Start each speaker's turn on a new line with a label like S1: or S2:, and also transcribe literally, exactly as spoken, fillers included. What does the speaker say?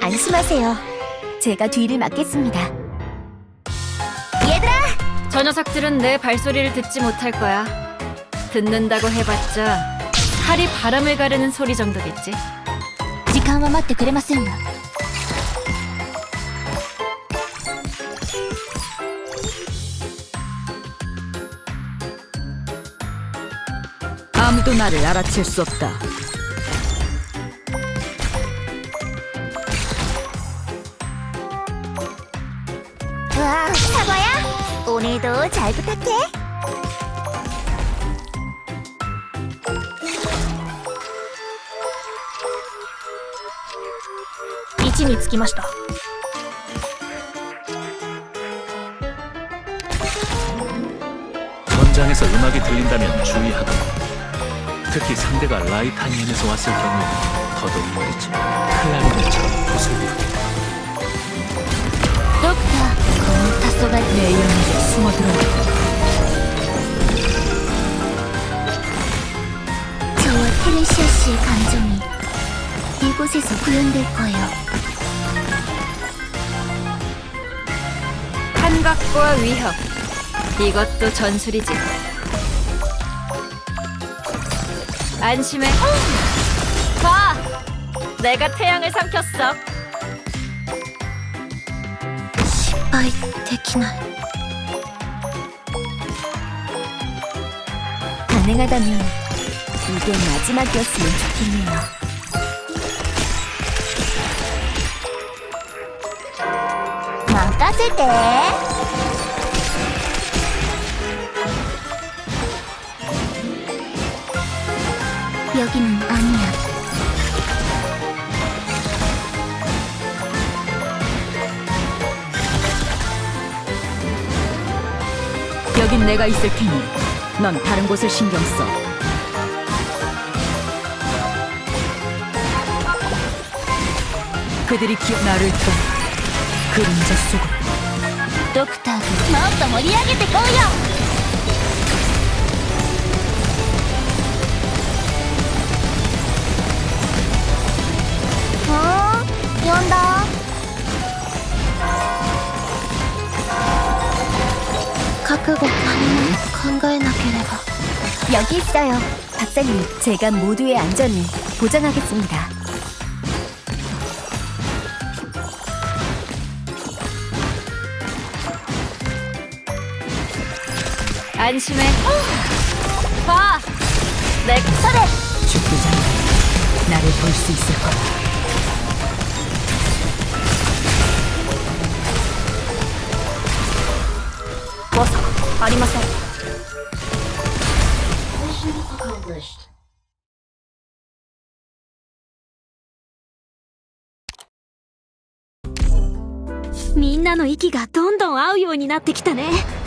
S1: 안심하세요. 제가 뒤를 맡겠습니다. 얘들아!
S2: 저 녀석들은 내 발소리를 듣지 못할 거야. 듣는다고 해봤자 칼이 바람을 가르는 소리 정도겠지.
S1: 時間は待ってくれませんわ。
S3: 아무도 나를 알아챌 수 없다.
S1: 와, 사과야? 오늘도 잘 부탁해. 위치에 着きました.
S4: 전장에서 음악이 들린다면 주의하도록. 특히 상대가 라이타니엔에서 왔을 경우에 더더욱 말이지. 클라리넷처럼 구슬부르기다.
S1: ドクター、この黄昏내 영역에 숨어들어왔다. 저와 테레시아 씨의 감정이 이곳에서 구현될 거예요.
S2: 환각과 위협, 이것도 전술이지. 안심해. 봐! 내가 태양을 삼켰어.
S1: 失敗できない. 가능하다면 이게 마지막이었으면 좋겠네요. 막아줄게. 여기는 아니야.
S3: 여긴 내가 있을 테니 넌 다른 곳을 신경 써. 그들이 기억 나를 통 그림자 속으로.
S1: ドクターズ、もっと盛り上げてこうよ. 어? 연다. 각오가 아니면 考えなければ. 여기 있어요. 박사님, 제가 모두의 안전을 보장하겠습니다.
S2: 안심해. 봐! 내
S1: 서래!
S3: 죽기 전에 나를 볼 수 있을 거야.
S1: 버스, ありません. 미んなの息がどんどん合うようになってきたね.